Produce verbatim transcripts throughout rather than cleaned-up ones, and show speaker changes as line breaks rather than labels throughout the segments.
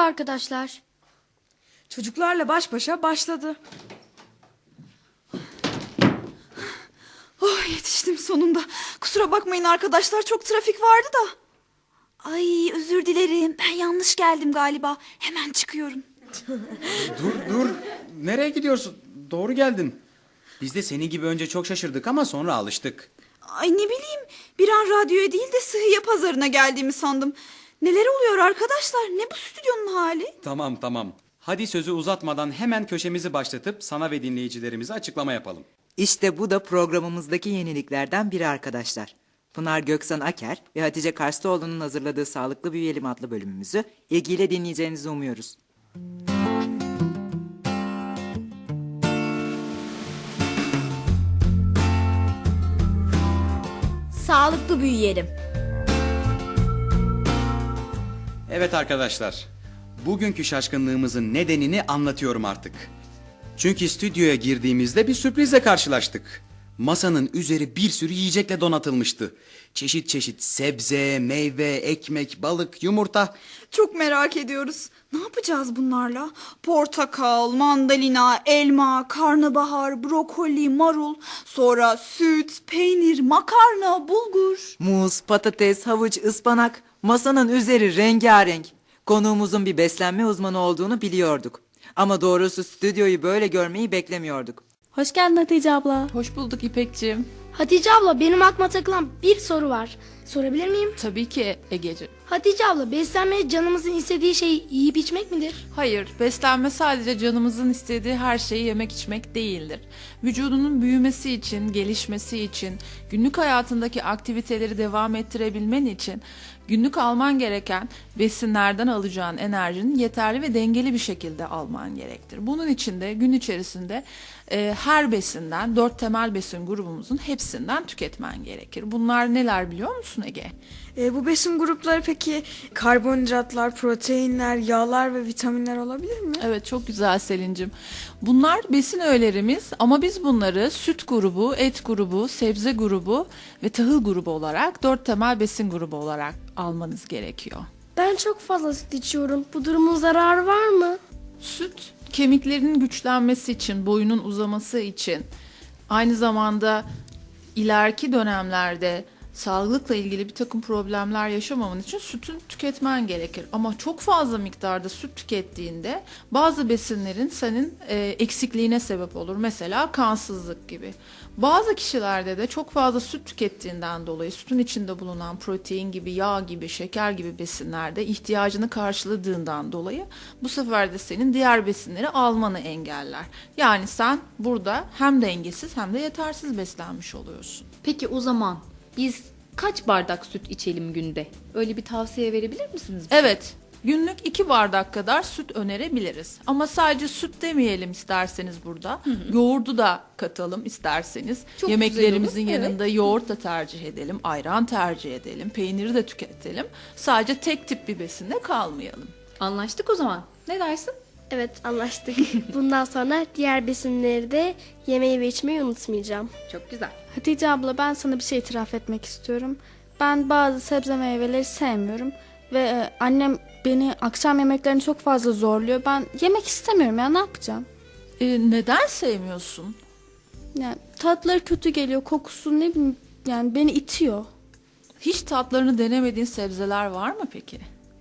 arkadaşlar.
Çocuklarla baş başa başladı. Oh, yetiştim sonunda. Kusura bakmayın arkadaşlar, çok trafik vardı da. Ay, özür dilerim, ben yanlış geldim galiba. Hemen çıkıyorum.
Dur dur. Nereye gidiyorsun? Doğru geldin. Biz de senin gibi önce çok şaşırdık ama sonra alıştık.
Ay, ne bileyim, bir an radyoya değil de sıhhiye pazarına geldiğimi sandım. Neler oluyor arkadaşlar? Ne bu stüdyonun hali?
Tamam tamam. Hadi sözü uzatmadan hemen köşemizi başlatıp sana ve dinleyicilerimize açıklama yapalım.
İşte bu da programımızdaki yeniliklerden biri arkadaşlar. Pınar Göksan Aker ve Hatice Karslıoğlu'nun hazırladığı Sağlıklı Büyüyelim adlı bölümümüzü ilgiyle dinleyeceğinizi umuyoruz.
Sağlıklı büyüyelim.
Evet arkadaşlar. Bugünkü şaşkınlığımızın nedenini anlatıyorum artık. Çünkü stüdyoya girdiğimizde bir sürprizle karşılaştık. Masanın üzeri bir sürü yiyecekle donatılmıştı. Çeşit çeşit sebze, meyve, ekmek, balık, yumurta.
Çok merak ediyoruz. Ne yapacağız bunlarla? Portakal, mandalina, elma, karnabahar, brokoli, marul, sonra süt, peynir, makarna, bulgur.
Muz, patates, havuç, ıspanak, masanın üzeri rengarenk. Konuğumuzun bir beslenme uzmanı olduğunu biliyorduk. Ama doğrusu stüdyoyu böyle görmeyi beklemiyorduk.
Hoş geldin Hatice abla.
Hoş bulduk İpekciğim.
Hatice abla, benim aklıma takılan bir soru var. Sorabilir miyim?
Tabii ki Egeciğim.
Hatice abla, beslenme canımızın istediği şey yiyip içmek midir?
Hayır, beslenme sadece canımızın istediği her şeyi yemek içmek değildir. Vücudunun büyümesi için, gelişmesi için, günlük hayatındaki aktiviteleri devam ettirebilmen için günlük alman gereken besinlerden alacağın enerjinin yeterli ve dengeli bir şekilde alman gerektir. Bunun için de gün içerisinde e, her besinden, dört temel besin grubumuzun hepsinden tüketmen gerekir. Bunlar neler biliyor musun Ege?
E, bu besin grupları peki karbonhidratlar, proteinler, yağlar ve vitaminler olabilir mi?
Evet, çok güzel Selin'cim. Bunlar besin öğelerimiz ama biz bunları süt grubu, et grubu, sebze grubu ve tahıl grubu olarak dört temel besin grubu olarak almanız gerekiyor.
Ben çok fazla süt içiyorum. Bu durumun zararı var mı?
Süt kemiklerin güçlenmesi için, boyunun uzaması için, aynı zamanda ileriki dönemlerde sağlıkla ilgili bir takım problemler yaşamaman için sütün tüketmen gerekir. Ama çok fazla miktarda süt tükettiğinde bazı besinlerin senin e, eksikliğine sebep olur. Mesela kansızlık gibi. Bazı kişilerde de çok fazla süt tükettiğinden dolayı sütün içinde bulunan protein gibi, yağ gibi, şeker gibi besinlerde ihtiyacını karşıladığından dolayı bu sefer de senin diğer besinleri almanı engeller. Yani sen burada hem dengesiz hem de yetersiz beslenmiş oluyorsun.
Peki o zaman biz kaç bardak süt içelim günde? Öyle bir tavsiye verebilir misiniz bize?
Evet, günlük iki bardak kadar süt önerebiliriz. Ama sadece süt demeyelim isterseniz burada. Hı hı. Yoğurdu da katalım isterseniz.
Çok
Yemeklerimizin
güzel olur,
yanında
evet.
yoğurt da tercih edelim, ayran tercih edelim, peyniri de tüketelim. Sadece tek tip bir besinde kalmayalım.
Anlaştık o zaman. Ne dersin?
Evet, anlaştık. Bundan sonra diğer besinleri de yemeği ve içmeyi unutmayacağım.
Çok güzel.
Hatice abla, ben sana bir şey itiraf etmek istiyorum. Ben bazı sebze meyveleri sevmiyorum. Ve e, annem beni akşam yemeklerini çok fazla zorluyor. Ben yemek istemiyorum ya, ne yapacağım?
Ee, neden sevmiyorsun?
Yani tatları kötü geliyor, kokusu ne bileyim, yani beni itiyor.
Hiç tatlarını denemediğin sebzeler var mı peki?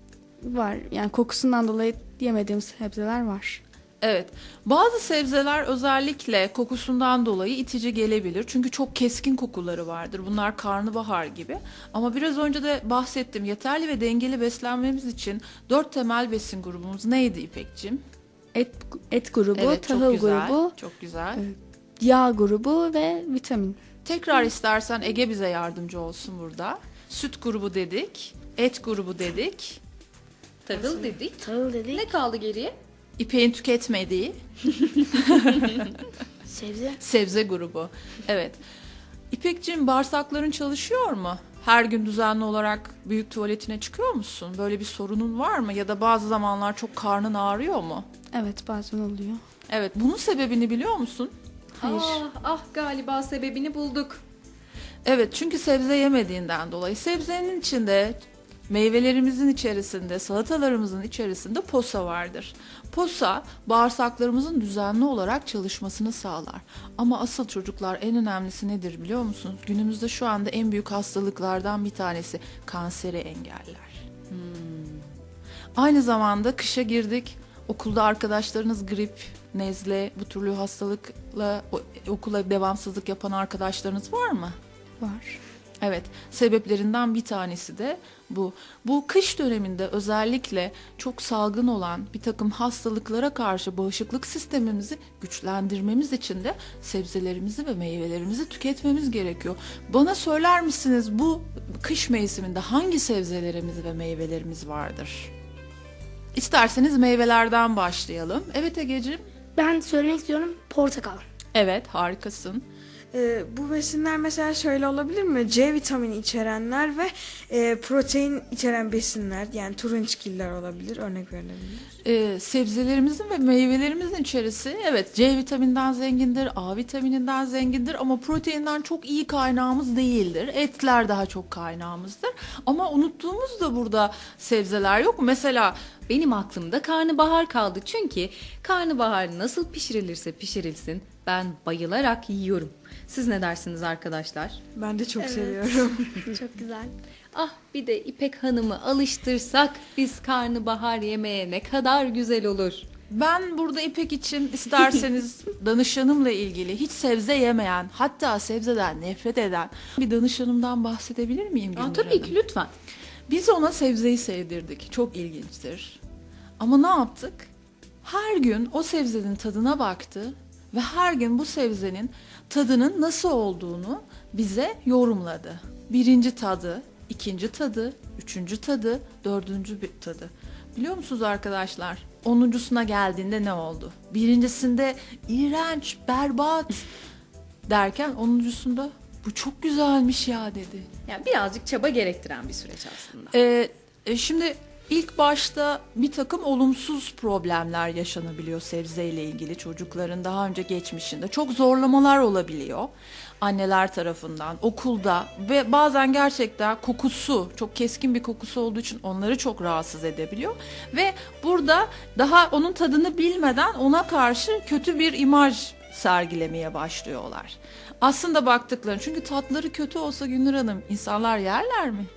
Var yani, kokusundan dolayı yemediğim sebzeler var.
Evet, bazı sebzeler özellikle kokusundan dolayı itici gelebilir. Çünkü çok keskin kokuları vardır. Bunlar karnabahar gibi. Ama biraz önce de bahsettim. Yeterli ve dengeli beslenmemiz için dört temel besin grubumuz neydi İpekciğim?
Et, et grubu,
Evet, çok
tahıl
güzel,
grubu,
çok güzel.
yağ grubu ve vitamin.
Tekrar istersen Ege bize yardımcı olsun burada. Süt grubu dedik, et grubu dedik,
Tahıl dedik.
Tahıl dedik.
Ne kaldı geriye?
İpek'in tüketmediği
Sebze.
sebze grubu. Evet. İpekciğim, bağırsakların çalışıyor mu? Her gün düzenli olarak büyük tuvaletine çıkıyor musun? Böyle bir sorunun var mı? Ya da bazı zamanlar çok karnın ağrıyor mu?
Evet, bazen oluyor.
Evet, bunun sebebini biliyor musun?
Hayır.
Ah, ah galiba sebebini bulduk.
Evet, çünkü sebze yemediğinden dolayı. Sebzenin içinde Meyvelerimizin içerisinde, salatalarımızın içerisinde posa vardır. Posa bağırsaklarımızın düzenli olarak çalışmasını sağlar. Ama asıl çocuklar en önemlisi nedir biliyor musunuz? Günümüzde şu anda en büyük hastalıklardan bir tanesi kanseri engeller. Hmm. Aynı zamanda kışa girdik. Okulda arkadaşlarınız grip, nezle, bu türlü hastalıkla o- okula devamsızlık yapan arkadaşlarınız var mı?
Var.
Evet, sebeplerinden bir tanesi de bu. Bu kış döneminde özellikle çok salgın olan bir takım hastalıklara karşı bağışıklık sistemimizi güçlendirmemiz için de sebzelerimizi ve meyvelerimizi tüketmemiz gerekiyor. Bana söyler misiniz bu kış mevsiminde hangi sebzelerimiz ve meyvelerimiz vardır? İsterseniz meyvelerden başlayalım. Evet Egeciğim.
Ben söylemek istiyorum portakal.
Evet, harikasın.
Ee, bu besinler mesela şöyle olabilir mi? C vitamini içerenler ve e, protein içeren besinler, yani turunçgiller olabilir, örnek verilebilir.
Ee, sebzelerimizin ve meyvelerimizin içerisi evet C vitamininden zengindir, A vitamininden zengindir ama proteinden çok iyi kaynağımız değildir. Etler daha çok kaynağımızdır. Ama unuttuğumuz da burada sebzeler yok mu? Mesela
Benim aklımda karnabahar kaldı. Çünkü karnabahar nasıl pişirilirse pişirilsin ben bayılarak yiyorum. Siz ne dersiniz arkadaşlar?
Ben de çok seviyorum.
Çok güzel.
Ah bir de İpek Hanım'ı alıştırsak biz karnabahar yemeye ne kadar güzel olur.
ben burada İpek için isterseniz danışanımla ilgili hiç sebze yemeyen, hatta sebzeden nefret eden bir danışanımdan bahsedebilir miyim
Aa,
Gündür
tabii
Hanım?
ki lütfen.
Biz ona sebzeyi sevdirdik. Çok ilginçtir. Ama ne yaptık? Her gün o sebzenin tadına baktı ve her gün bu sebzenin tadının nasıl olduğunu bize yorumladı. Birinci tadı, ikinci tadı, üçüncü tadı, dördüncü bir tadı. Biliyor musunuz arkadaşlar? Onuncusuna geldiğinde ne oldu? Birincisinde iğrenç, berbat derken onuncusunda bu çok güzelmiş ya dedi.
Yani birazcık çaba gerektiren bir süreç aslında.
Ee, e, şimdi ilk başta bir takım olumsuz problemler yaşanabiliyor sebzeyle ilgili çocukların daha önce geçmişinde. Çok zorlamalar olabiliyor anneler tarafından, okulda ve bazen gerçekten kokusu, çok keskin bir kokusu olduğu için onları çok rahatsız edebiliyor. Ve burada daha onun tadını bilmeden ona karşı kötü bir imaj sergilemeye başlıyorlar. Aslında baktıkları, çünkü tatları kötü olsa Gündür Hanım insanlar yerler mi?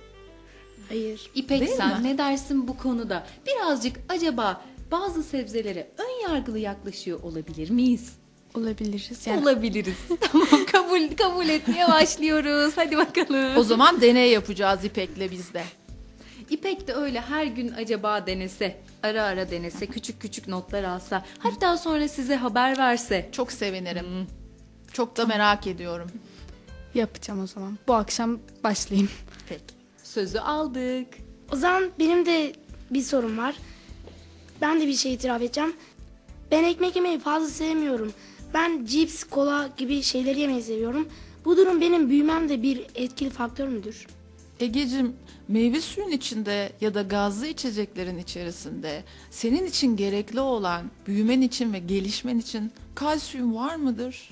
Hayır.
İpek
Değil
sen
mi?
ne dersin bu konuda? Birazcık acaba bazı sebzelere ön yargılı yaklaşıyor olabilir miyiz?
Olabiliriz. Yani
Olabiliriz. Tamam kabul kabul etmeye başlıyoruz. Hadi bakalım.
O zaman deney yapacağız İpek'le biz de.
İpek de öyle her gün acaba denese, ara ara denese, küçük küçük notlar alsa, hatta sonra size haber verse.
Çok sevinirim. Çok da merak ediyorum.
yapacağım o zaman. Bu akşam başlayayım.
Peki.
Sözü aldık.
O zaman benim de bir sorum var. Ben de bir şey itiraf edeceğim. Ben ekmek yemeyi fazla sevmiyorum. Ben cips, kola gibi şeyleri yemeyi seviyorum. Bu durum benim büyümemde bir etkili faktör müdür?
Egeciğim, meyve suyun içinde ya da gazlı içeceklerin içerisinde senin için gerekli olan büyümen için ve gelişmen için kalsiyum var mıdır?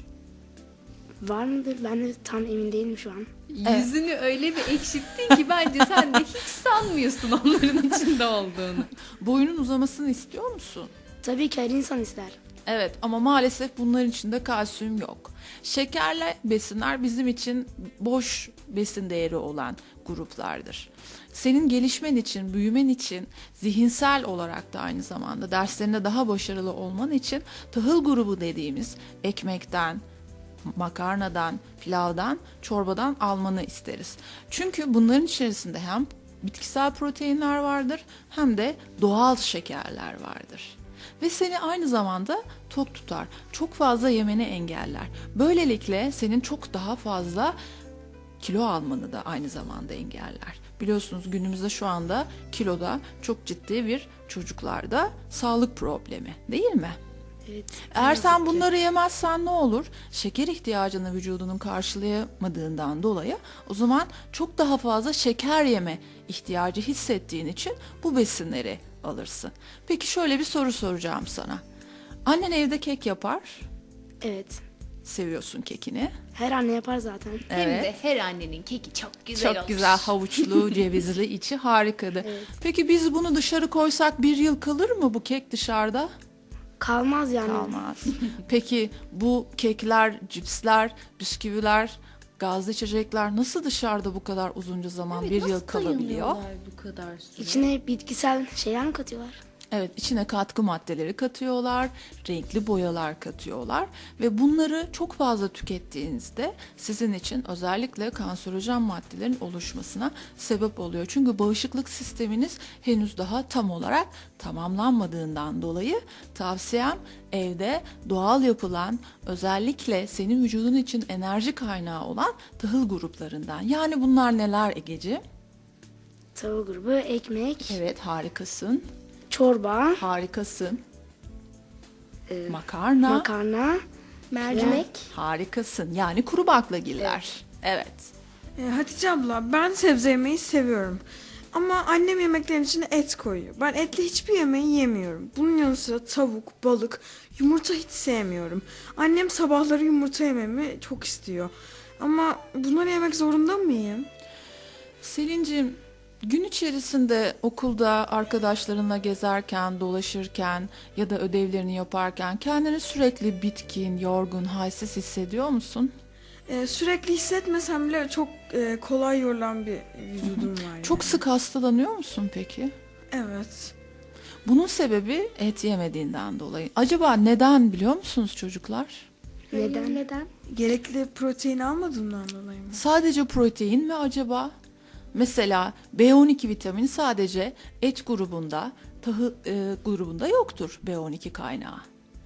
Var mıdır? Ben de tam emin değilim şu an.
Evet.
Yüzünü öyle bir ekşittin ki bence sen de hiç sanmıyorsun onların içinde olduğunu.
Boyunun uzamasını istiyor musun?
Tabii ki her insan ister.
Evet, ama maalesef bunların içinde kalsiyum yok. Şekerli besinler bizim için boş besin değeri olan gruplardır. Senin gelişmen için, büyümen için, zihinsel olarak da aynı zamanda derslerinde daha başarılı olman için tahıl grubu dediğimiz ekmekten, makarnadan, pilavdan, çorbadan almanı isteriz. Çünkü bunların içerisinde hem bitkisel proteinler vardır hem de doğal şekerler vardır. Ve seni aynı zamanda tok tutar. Çok fazla yemeni engeller. Böylelikle senin çok daha fazla kilo almanı da aynı zamanda engeller. Biliyorsunuz günümüzde şu anda kiloda çok ciddi bir çocuklarda sağlık problemi, değil mi?
Evet.
Eğer sen bunları yemezsen ne olur? Şeker ihtiyacını vücudunun karşılayamadığından dolayı o zaman çok daha fazla şeker yeme ihtiyacı hissettiğin için bu besinleri alırsın. Peki şöyle bir soru soracağım sana. Annen evde kek yapar.
Evet.
seviyorsun kekini.
Her anne yapar zaten.
Hem
Evet.
de her annenin keki çok güzel
Çok
olmuş.
güzel havuçlu, cevizli içi harikadı. Peki biz bunu dışarı koysak bir yıl kalır mı bu kek dışarıda?
Kalmaz yani.
Kalmaz. Peki bu kekler, cipsler, bisküviler, gazlı içecekler nasıl dışarıda bu kadar uzunca zaman bir yıl kalabiliyor?
dayanıyorlar bu kadar süre?
İçine bitkisel şeyler mi katıyorlar?
Evet, içine katkı maddeleri katıyorlar, renkli boyalar katıyorlar ve bunları çok fazla tükettiğinizde sizin için özellikle kanserojen maddelerin oluşmasına sebep oluyor. Çünkü bağışıklık sisteminiz henüz daha tam olarak tamamlanmadığından dolayı tavsiyem evde doğal yapılan, özellikle senin vücudun için enerji kaynağı olan tahıl gruplarından. Yani bunlar neler Egeciğim?
Tavuk grubu, ekmek,
Evet, harikasın.
çorba,
Harikasın. Makarna.
makarna, mercimek.
Harikasın. Yani kuru baklagiller. Evet.
E, Hatice abla, ben sebze yemeyi seviyorum. Ama annem yemeklerin içine et koyuyor. Ben etli hiçbir yemeği yemiyorum. Bunun yanı sıra tavuk, balık, yumurta hiç sevmiyorum. Annem sabahları yumurta yememi çok istiyor. Ama bunları yemek zorunda mıyım?
Selin'cim, gün içerisinde okulda arkadaşlarınla gezerken, dolaşırken ya da ödevlerini yaparken kendini sürekli bitkin, yorgun, halsiz hissediyor musun?
E, sürekli hissetmesem bile çok e, kolay yorulan bir vücudum var. Yani.
Çok sık hastalanıyor musun peki?
Evet.
Bunun sebebi et yemediğinden dolayı. Acaba neden biliyor musunuz çocuklar?
Neden? Neden?
Gerekli protein almadığımdan dolayı mı?
Sadece protein mi acaba? Mesela B on iki vitamini sadece et grubunda, tahıl e, grubunda yoktur B on iki kaynağı.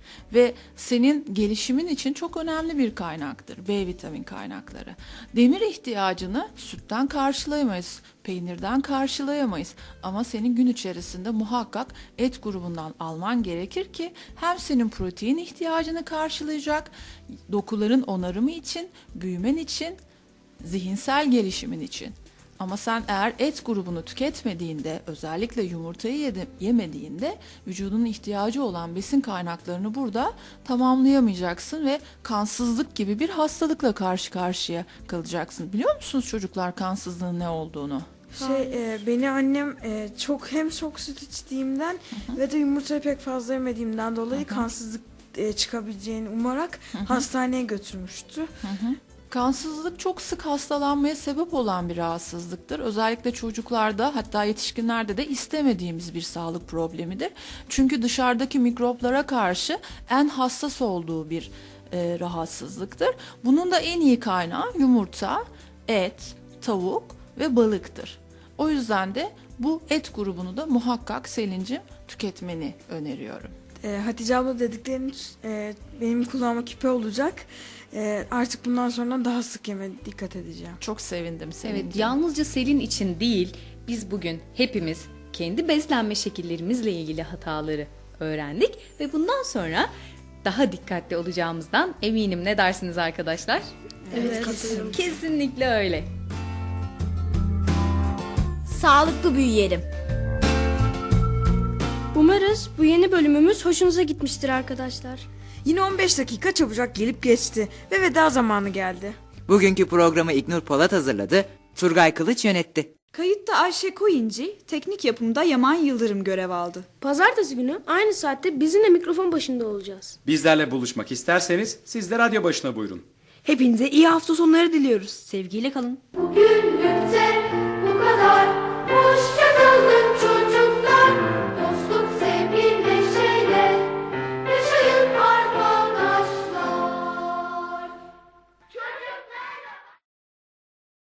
Ve senin gelişimin için çok önemli bir kaynaktır B vitamin kaynakları. Demir ihtiyacını sütten karşılayamayız, peynirden karşılayamayız. Ama senin gün içerisinde muhakkak et grubundan alman gerekir ki hem senin protein ihtiyacını karşılayacak, dokuların onarımı için, büyümen için, zihinsel gelişimin için. Ama sen eğer et grubunu tüketmediğinde, özellikle yumurtayı yedi- yemediğinde vücudunun ihtiyacı olan besin kaynaklarını burada tamamlayamayacaksın ve kansızlık gibi bir hastalıkla karşı karşıya kalacaksın. Biliyor musunuz çocuklar kansızlığın ne olduğunu?
Şey e, beni annem e, çok hem çok süt içtiğimden ve de yumurtayı pek fazla yemediğimden dolayı kansızlık e, çıkabileceğini umarak hastaneye götürmüştü.
Kansızlık çok sık hastalanmaya sebep olan bir rahatsızlıktır. Özellikle çocuklarda, hatta yetişkinlerde de istemediğimiz bir sağlık problemidir. Çünkü dışarıdaki mikroplara karşı en hassas olduğu bir e, rahatsızlıktır. Bunun da en iyi kaynağı yumurta, et, tavuk ve balıktır. O yüzden de bu et grubunu da muhakkak Selin'cim tüketmeni öneriyorum.
E, Hatice abla dediklerin e, benim kulağıma küpe olacak. E, artık bundan sonra daha sık yeme dikkat edeceğim.
Çok sevindim Selin'cim.
Evet, yalnızca Selin için değil, biz bugün hepimiz kendi beslenme şekillerimizle ilgili hataları öğrendik ve bundan sonra daha dikkatli olacağımızdan eminim. Ne dersiniz arkadaşlar?
Evet, katılıyorum.
Kesinlikle öyle.
Sağlıklı büyüyelim.
Umarız bu yeni bölümümüz hoşunuza gitmiştir arkadaşlar.
Yine on beş dakika çabucak gelip geçti ve veda zamanı geldi.
Bugünkü programı İknur Polat hazırladı, Turgay Kılıç yönetti.
Kayıtta Ayşe Koyunci, teknik yapımda Yaman Yıldırım görev aldı.
Pazartesi günü aynı saatte bizimle mikrofon başında olacağız.
Bizlerle buluşmak isterseniz siz de radyo başına buyurun.
Hepinize iyi hafta sonları diliyoruz. Sevgiyle kalın.
Bugünlük